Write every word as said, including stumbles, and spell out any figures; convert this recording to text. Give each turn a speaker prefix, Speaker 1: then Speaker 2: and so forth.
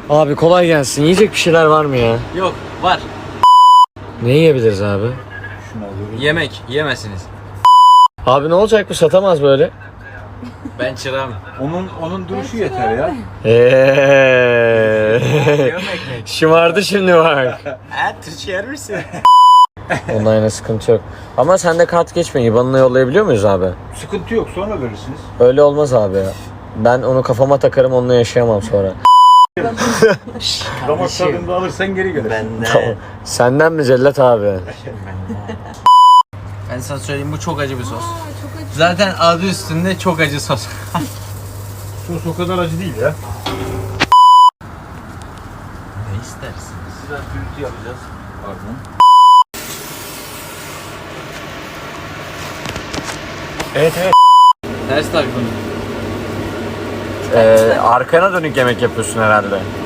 Speaker 1: Abi kolay gelsin. Yiyecek bir şeyler var mı ya?
Speaker 2: Yok, var.
Speaker 1: Ne yiyebiliriz abi?
Speaker 2: Yemek, yiyemezsiniz.
Speaker 1: Abi ne olacak bu, satamaz böyle.
Speaker 2: Ben çırağım.
Speaker 3: Onun onun duruşu yeter ya.
Speaker 1: Eee.
Speaker 2: Yemek.
Speaker 1: Şımardı şimdi bak.
Speaker 2: Ha, Türkçe yer misin?
Speaker 1: Ondan yana sıkıntı yok. Ama sende kart geçmiyor. İban'ına yollayabiliyor muyuz abi?
Speaker 3: Sıkıntı yok, sonra verirsiniz.
Speaker 1: Öyle olmaz abi ya. Ben onu kafama takarım, onunla yaşayamam sonra.
Speaker 3: Damak tadında alırsan geri gelir.
Speaker 1: Tamam. Senden mi Cellat abi?
Speaker 2: Ben sana söyleyeyim, bu çok acı bir sos. Zaten adı üstünde çok acı sos.
Speaker 3: Sos o kadar acı değil ya.
Speaker 2: Ne istersin?
Speaker 3: Biraz gürültü yapacağız. Pardon.
Speaker 1: Evet evet.
Speaker 2: Ters taktım.
Speaker 1: Ee, arkana dönük yemek yapıyorsun herhalde.